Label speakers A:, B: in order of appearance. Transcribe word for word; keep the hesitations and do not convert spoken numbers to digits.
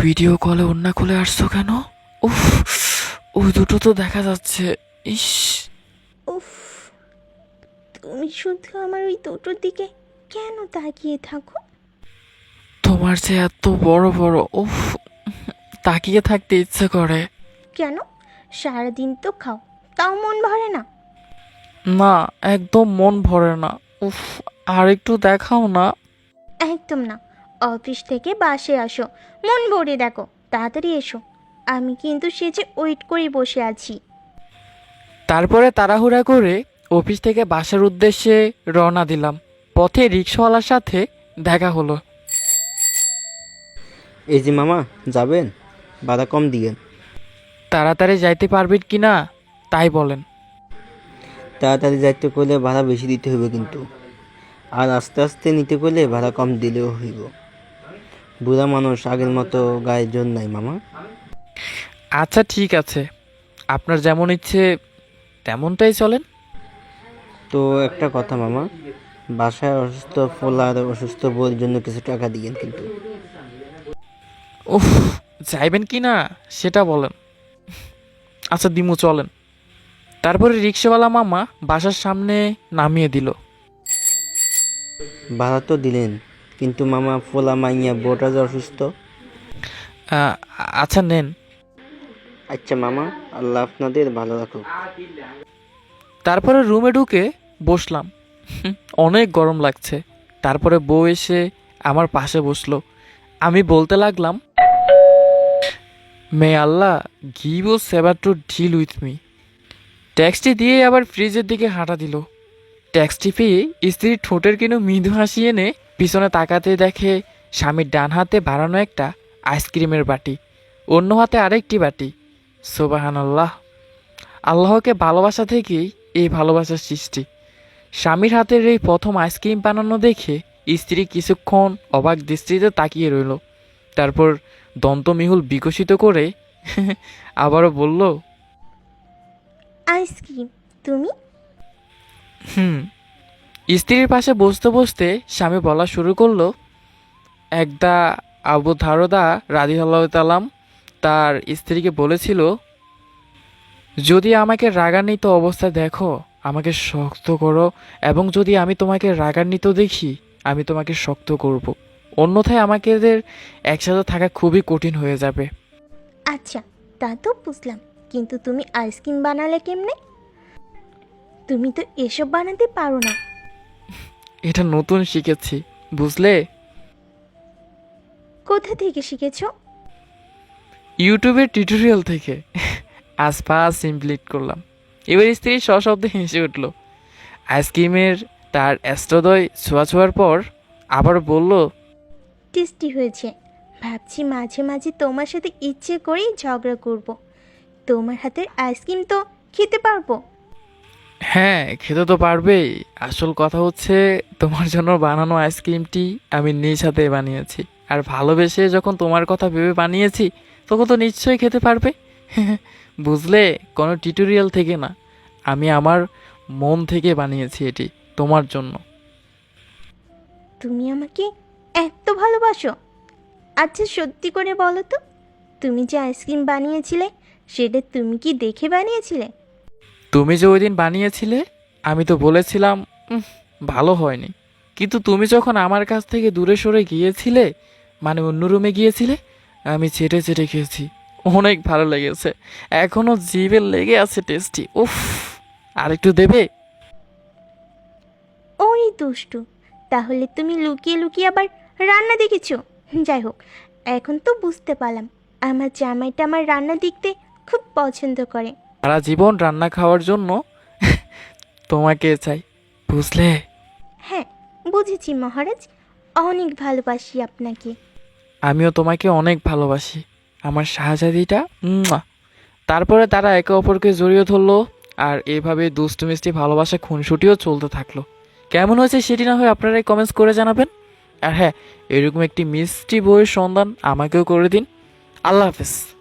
A: Video কলে ওন্না খুলে আসছো কেন? উফ, ওই দুটো তো দেখা যাচ্ছে। ইস,
B: উফ, তুমি শুধু আমার ওই দুটোর দিকে কেন তাকিয়ে থাকো?
A: তোমার যে এত বড় বড়, উফ, তাকিয়ে থাকতে ইচ্ছে করে।
B: কেন? সারাদিন তো খাও, তাও মন ভরে না?
A: না, একদম মন ভরে না। উফ, আর একটু দেখাও না।
B: একদম না। অফিস থেকে বাসে আসো, মন ভরে দেখো, তাড়াতাড়ি এসো। আমি কিন্তু সেজে ওয়েট করে বসে আছি।
A: তারপরে তাড়াহুড়া করে অফিস থেকে বাসার উদ্দেশ্যে রওনা দিলাম। পথে রিক্সাওয়ালার সাথে দেখা হলো।
C: এই যে মামা, যাবেন? ভাড়া কম দিয়েন।
A: তাড়াতাড়ি যাইতে পারবেন কি না তাই বলেন।
C: তাড়াতাড়ি যাইতে করলে ভাড়া বেশি দিতে হইব কিন্তু, আর আস্তে আস্তে নিতে করলে ভাড়া কম দিলেও হইব। বুড়া মানুষ, আগের মতো গায়ে জোর নাই মামা।
A: আচ্ছা ঠিক আছে, আপনার যেমন ইচ্ছে তেমনটাই চলেন।
C: তো একটা কথা মামা, বাসায় অসুস্থ ফোলা আর অসুস্থ বউর জন্য কিছু টাকা দিয়েন কিন্তু।
A: উফ, যাইবেন কি না সেটা বলেন। আচ্ছা দিমু, চলেন। তারপরে রিক্সাওয়ালা মামা বাসার সামনে নামিয়ে দিল।
C: ভাড়া তো দিলেন, কিন্তু মামা ফোলা মাইয়া বউটা যে অসুস্থ।
A: আহ, আচ্ছা নেন।
C: আচ্ছা মামা, আল্লাহ আপনাদের ভালো রাখুক।
A: তারপরে রুমে ঢুকে বসলাম। হুম, অনেক গরম লাগছে। তারপরে বউ এসে আমার পাশে বসলো। আমি বলতে লাগলাম, may Allah give a saviour to deal with me. ট্যাক্সটি দিয়ে আবার ফ্রিজের দিকে হাঁটা দিল। ট্যাক্সটি পেয়ে স্ত্রীর ঠোঁটের কিনো মৃদু হাসি এনে পিছনে তাকাতে দেখে স্বামীর ডান হাতে বাড়ানো একটা আইসক্রিমের বাটি, অন্য হাতে আরেকটি বাটি। সোবাহান আল্লাহ, আল্লাহকে ভালোবাসা থেকেই এই ভালোবাসার সৃষ্টি। স্বামীর হাতের এই প্রথম আইসক্রিম বানানো দেখে স্ত্রী কিছুক্ষণ অবাক দৃষ্টিতে তাকিয়ে রইল। তারপর দন্তমিহুল বিকশিত করে আবারও বলল,
B: আইসক্রিম? তুমি?
A: হুম। স্ত্রীর পাশে বসতে বসতে স্বামী বলা শুরু করলো, একদা আবু ধারদা রাদিয়াল্লাহু তাআলা তার স্ত্রীকে বলেছিল, যদি আমাকে রাগান্বিত অবস্থায় দেখো আমাকে শক্ত করো, এবং যদি আমি তোমাকে রাগান্বিত দেখি আমি তোমাকে শক্ত করব, অন্যথায় আমাদের একসাথে থাকা খুবই কঠিন হয়ে যাবে।
B: আচ্ছা, তা তো বুঝলাম, কিন্তু তুমি আইসক্রিম বানালে কেমনে? তুমি তো এসব বানাতে পারো না।
A: এটা নতুন শিখেছি, বুঝলে।
B: কোথা থেকে শিখেছো?
A: ইউটিউবের টিউটোরিয়াল থেকে। আজ ফার্স্ট ইমপ্লিট করলাম। এবার স্ত্রী সশব্দে হেসে উঠল। আইসক্রিমের তার অ্যাস্ট্রোদয় ছোঁয়া ছোঁয়ার পর আবার বলল,
B: টেস্টি হয়েছে। ভাবছি মাঝে মাঝে তোমার সাথে ইচ্ছে করেই ঝগড়া করব। তোমার হাতের আইসক্রিম তো খেতে পারবো।
A: হ্যাঁ খেতে তো পারবেই। আসল কথা হচ্ছে তোমার জন্য বানানো আইসক্রিমটি আমি নিজ হাতে বানিয়েছি, আর ভালোবেসে যখন তোমার কথা ভেবে বানিয়েছি তখন তো নিশ্চয়ই খেতে পারবে। বুঝলে, কোনো টিউটোরিয়াল থেকে না, আমি আমার মন থেকে বানিয়েছি এটি তোমার জন্য।
B: তুমি আমাকে এত ভালোবাসো? আচ্ছা সত্যি করে বলো তো, তুমি যে আইসক্রিম বানিয়েছিলে সেটা তুমি কি দেখে বানিয়েছিলে?
A: তুমি যে ওই দিন বানিয়েছিলে আমি তো বলেছিলাম "উম, ভালো হয়নি", কিন্তু তুমি যখন আমার কাছ থেকে দূরে সরে গিয়েছিলে, মানে অন্য রুমে গিয়েছিলে, আমি চেটে চেটে খেয়েছি। অনেক ভালো লেগেছে, এখনো জিভে লেগে আছে টেস্টি। উফ, আর একটু দেবে?
B: ওই দুষ্টু, তাহলে তুমি লুকিয়ে লুকিয়ে আবার রান্না দেখেছো? যাই হোক, এখন তো বুঝতে পারলাম আমার জামাইটা আমার রান্না দেখতে খুব পছন্দ করে।
A: সারা জীবন রান্না খাওয়ার জন্য তোমাকে চাই, বুঝলে।
B: হ্যাঁ, বুঝেছি মহারাজ, অনেক ভালোবাসি আপনাকে।
A: আমিও তোমাকে অনেক ভালোবাসি আমার শাহজাদিটা। উম্মুয়া। তারপরে তারা একে অপরকে জড়িয়ে ধরলো, আর এভাবে দুষ্টু মিষ্টি ভালোবাসা খুনসুটিও চলতে থাকলো। কেমন হয়েছে সেটি না হয় আপনারাই কমেন্টস করে জানাবেন। আর হ্যাঁ, এরকম একটি মিষ্টি বইয়ের সন্ধান আমাকেও করে দিন। আল্লাহ হাফেজ।